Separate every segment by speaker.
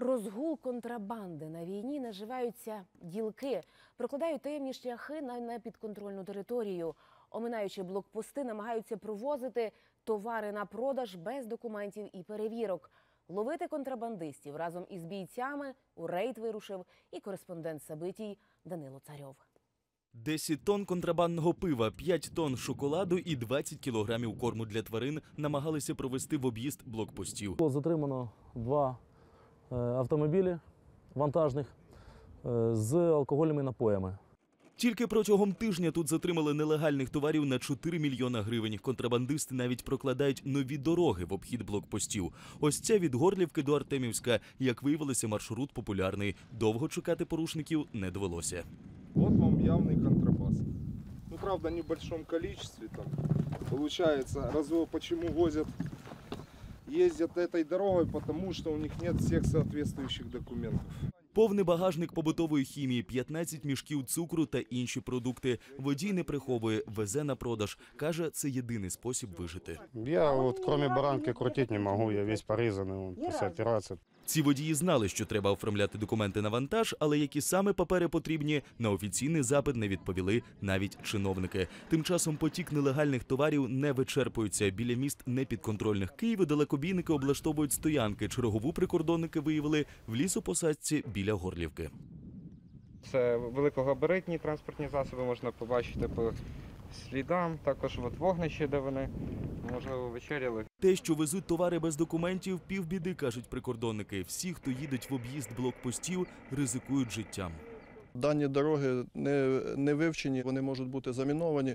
Speaker 1: Розгул контрабанди. На війні наживаються ділки, прокладають таємні шляхи на непідконтрольну територію. Оминаючи блокпости, намагаються провозити товари на продаж без документів і перевірок. Ловити контрабандистів разом із бійцями у рейд вирушив і кореспондент Сабитій Данило Царьов.
Speaker 2: 10 тонн контрабандного пива, 5 тонн шоколаду і 20 кілограмів корму для тварин намагалися провести в об'їзд блокпостів.
Speaker 3: Було затримано 2 автомобілі вантажних з алкогольними напоями.
Speaker 2: Тільки протягом тижня тут затримали нелегальних товарів на 4 мільйона гривень. Контрабандисти навіть прокладають нові дороги в обхід блокпостів. Ось ця від Горлівки до Артемівська. Як виявилося, маршрут популярний. Довго чекати порушників не довелося.
Speaker 4: Вот вам явный контрабас. Ну, правда, в небольшом количестве. Там, получается, почему возят, ездят этой дорогой, потому что у них нет всех соответствующих документов.
Speaker 2: Повний багажник побутової хімії, 15 мішків цукру та інші продукти. Водій не приховує, везе на продаж. Каже, це єдиний спосіб вижити.
Speaker 5: Я вот кроме баранки крутить не могу, я весь порезанный после операции.
Speaker 2: Ці водії знали, що треба оформляти документи на вантаж, але які саме папери потрібні, на офіційний запит не відповіли навіть чиновники. Тим часом потік нелегальних товарів не вичерпується. Біля міст непідконтрольних Києва далекобійники облаштовують стоянки. Чергову прикордонники виявили в лісопосадці біля Горлівки.
Speaker 6: Це великогабаритні транспортні засоби, можна побачити по слідам. Також вогнище, де вони, можливо, вечеряли.
Speaker 2: Те, що везуть товари без документів, півбіди, кажуть прикордонники. Всі, хто їдуть в об'їзд блокпостів, ризикують життям.
Speaker 7: Дані дороги не вивчені, вони можуть бути заміновані,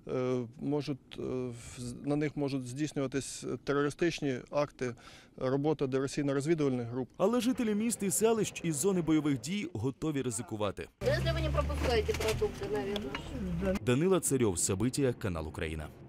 Speaker 7: на них можуть здійснюватись терористичні акти, робота диверсійно-розвідувальних груп.
Speaker 2: Але жителі міст і селищ із зони бойових дій готові ризикувати.
Speaker 8: Якщо ви не пропускаєте продукти, мабуть.
Speaker 2: Данило Царьов, Сабитія, канал Україна.